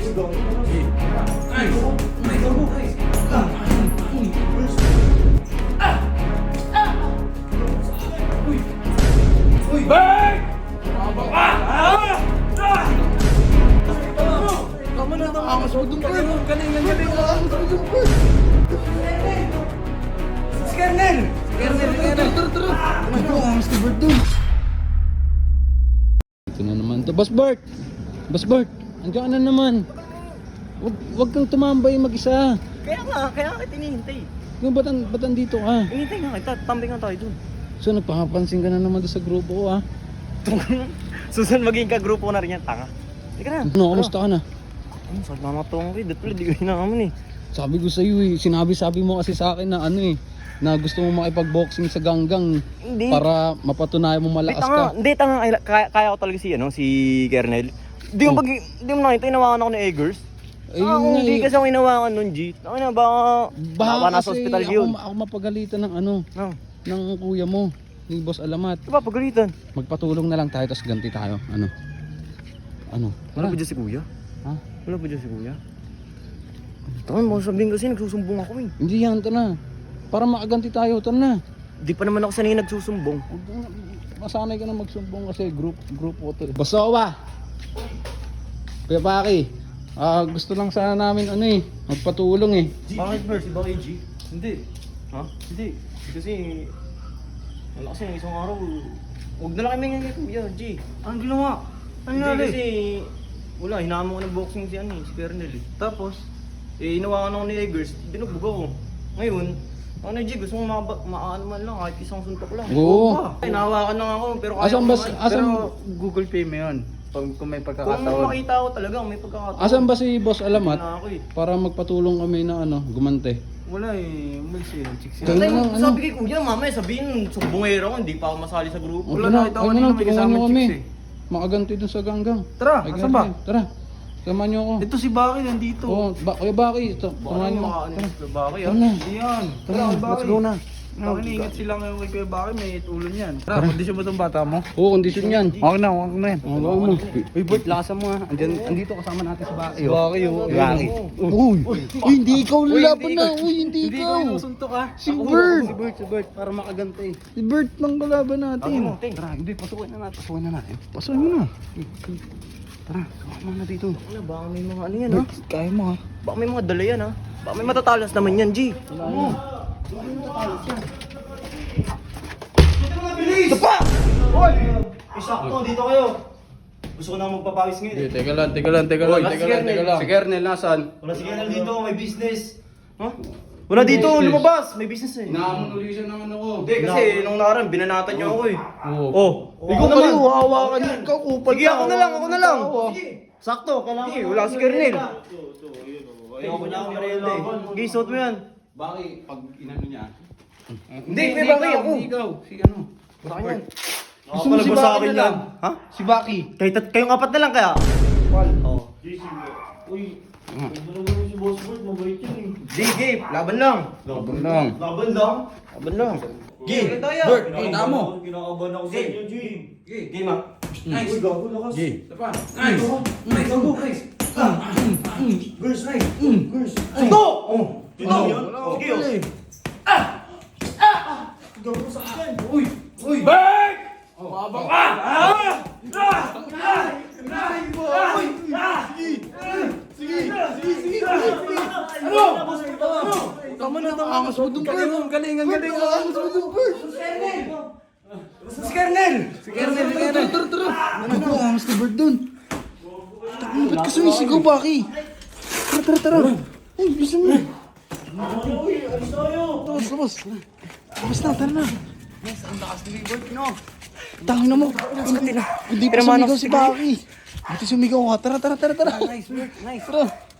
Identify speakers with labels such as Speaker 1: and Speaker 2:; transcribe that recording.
Speaker 1: Tama na, angas mo dun, Bert. Galing. Angas mo dun, Bert. Si Kernel! Tara. Angas ni Bert dun.
Speaker 2: Ito na naman to. Boss Bart, andiyan ka na naman. Wag kang tumambay mag-isa.
Speaker 3: Kaya kita hinihintay.
Speaker 2: Kung ba't andito ka?
Speaker 3: Hinihintay nga kita, tambay nga tayo dun.
Speaker 2: So nagpapansin ka na naman doon sa grupo ko, ha?
Speaker 3: Susan maging kagrupo na rin yan, tanga. Halika na.
Speaker 2: Ano, kamusta ka na?
Speaker 3: Saan mamatong kayo? Dito pala, di ko hinahamon eh.
Speaker 2: Sabi ko sa'yo eh, sinabi mo kasi sa akin na ano eh, na gusto mo makipag-boxing sa ganggang
Speaker 3: Hindi.
Speaker 2: para mapatunayan mo malakas ka.
Speaker 3: Hindi, tanga. Kaya ko talaga si Kernel. Di mo nakita, inawakan ako ni Eggers.
Speaker 2: Eh, yun nga
Speaker 3: Hindi
Speaker 2: eh.
Speaker 3: kasi ako inawakan nun, G. Baka
Speaker 2: Baka
Speaker 3: nasa
Speaker 2: kasi
Speaker 3: hospital yun.
Speaker 2: ako mapagalitan ng ano,
Speaker 3: No.
Speaker 2: ng kuya mo, ni Boss Alamat.
Speaker 3: Diba, pagalitan.
Speaker 2: Magpatulong na lang tayo, tapos ganti tayo. Ano?
Speaker 3: Wala ba dyan si Kuya?
Speaker 2: Ha?
Speaker 3: Wala ba dyan si Kuya? Tama mo sabihin kasi nagsusumbong ako eh.
Speaker 2: Hindi yan, ito na. Para makaganti tayo, ito na.
Speaker 3: Di pa naman ako sanay nagsusumbong.
Speaker 2: Masanay ka na magsumbong kasi group ko to. Basawa! Kuya Paki, gusto lang sana namin ano eh, magpatulong eh.
Speaker 3: Bakit Mercy? Bakit G? Hindi. Ha? Hindi. Kasi wala kasi isang araw. Huwag na lang kami ngayon Kuya G. Anong ginawa? Hindi kasi wala, hinama ko ng boxing si Kernel eh. Tapos, inawakan ako ni Eggers, binugbog ako. Ngayon, G, gusto mong maano man lang, kahit isang suntok lang.
Speaker 2: Oo.
Speaker 3: Inawakan lang ako, pero kaya
Speaker 2: Asan
Speaker 3: ko
Speaker 2: ba,
Speaker 3: naman.
Speaker 2: asan,
Speaker 1: Google Pay mo yun. Kung may
Speaker 3: Kung
Speaker 1: pagkakataon.
Speaker 3: makita ko talaga, may pagkakataon.
Speaker 2: asan ba si Boss Alamat
Speaker 3: Na ako eh.
Speaker 2: para magpatulong kami na ano, gumante?
Speaker 1: Wala eh. Umalis eh. Chicks
Speaker 2: Tingnan
Speaker 3: Sabi,
Speaker 2: lang, ano?
Speaker 3: sabi kay Kuya, mamaya sabihin, sumbongero ko, hindi pa ako masali sa grupo.
Speaker 1: Wala,
Speaker 2: na,
Speaker 1: nakita ko
Speaker 2: ano
Speaker 1: kanina
Speaker 2: na,
Speaker 1: may
Speaker 2: tulungan
Speaker 1: kasama
Speaker 2: nyo kami.
Speaker 1: chicks
Speaker 2: Makaganti dun sa ganggang.
Speaker 1: Tara,
Speaker 2: Ay,
Speaker 1: asan ba?
Speaker 2: ganti. Tara, samahan nyo ako.
Speaker 1: Ito si Baki nandito.
Speaker 2: Kuya Baki, samahan nyo.
Speaker 3: Baka ano yung Baki
Speaker 2: Tara na.
Speaker 1: Hindi yan.
Speaker 2: Tara, let's go na.
Speaker 1: Iniingat sila ngayon kay Kuya Baki, may ulo niyan. Tara, kondisyon mo itong bata mo?
Speaker 2: Oo, kondisyon yan.
Speaker 1: Okay na yan.
Speaker 2: Ang gawa mo.
Speaker 1: Uy, Bert, lakasan mo ha. Andito kasama natin si Baki.
Speaker 2: Baki,
Speaker 1: Baki.
Speaker 2: Uy, hindi ikaw lalaban na. Uy, hindi
Speaker 1: Hindi
Speaker 2: ikaw.
Speaker 1: ko inusuntok ha.
Speaker 2: Si Bert.
Speaker 1: Si Bert, para makaganti.
Speaker 2: Si Bert lang kalaban natin.
Speaker 1: Tara, hindi, pasukin na natin.
Speaker 2: Pasukin mo na.
Speaker 1: Tara, sumama na dito.
Speaker 3: Ano, baka may mga ano yan ha?
Speaker 2: Kaya mo ha.
Speaker 3: Baka may mga dala yan ha? Baka may matatalas naman yan, G. Ito pa! Hoy! Isakto, dito kayo. Gusto ko na magpapawis ngayon.
Speaker 2: Teka lang.
Speaker 1: Si Kernel, nasan?
Speaker 3: Wala si Kernel dito, may business. Ha? Wala dito, lumabas. May business eh.
Speaker 1: Naamon uli siya ng ano ko.
Speaker 3: Hindi, kasi nung nakaraan, binanatan niyo ako eh.
Speaker 2: Oo.
Speaker 3: Oh, ikaw naman.
Speaker 2: hawakan niya. Ikaw, kupal
Speaker 3: Sige, ako na lang. Sakto, kailangan. Sige, wala si Kernel. Ayoko niya ako merienda eh. Sige, suot mo yan.
Speaker 1: Baki, pag inano niya.
Speaker 3: Hindi, may Baki ako.
Speaker 1: Hindi ikaw, si ano.
Speaker 3: Sa akin yan.
Speaker 1: Gusto mo si
Speaker 3: Sa
Speaker 1: Baki
Speaker 3: akin
Speaker 1: na lang.
Speaker 3: yan. Ha?
Speaker 1: Si Baki.
Speaker 3: Kayong apat na lang kaya? Oo. Di, Gabe, laban lang.
Speaker 2: Laban lang.
Speaker 3: Laban lang. Gabe,
Speaker 1: Bert, kita mo.
Speaker 3: Kinakabahan ako sa inyo, G. Game ah.
Speaker 1: Nice.
Speaker 3: Uy, gago lakas.
Speaker 1: Ito pa. Nice.
Speaker 3: Gago, nice. Girls, nice. Girls. Ito! Oh. Ito yun? Sige, oh. Gago sa akin.
Speaker 1: Uy!
Speaker 2: Bert!
Speaker 1: Mabang ka!
Speaker 3: Ano?
Speaker 1: Tama na, angas mo dun, Bert. Galing. Angas mo dun, Bert.
Speaker 3: Si Kernel!
Speaker 1: Tara. Ano, angas ni Bert dun. Ba't ka sumisigaw, Baki? Tara. Uy, bilisan mo.
Speaker 3: Uy, alis tayo!
Speaker 1: Labas. Labas na, tara na.
Speaker 3: Ang lakas ni Bert, no?
Speaker 1: Tangin na mo. Hindi pa sumigaw si Baki. Buti sumigaw ka. Tara.
Speaker 3: Nice, Bert, nice.
Speaker 1: Tara.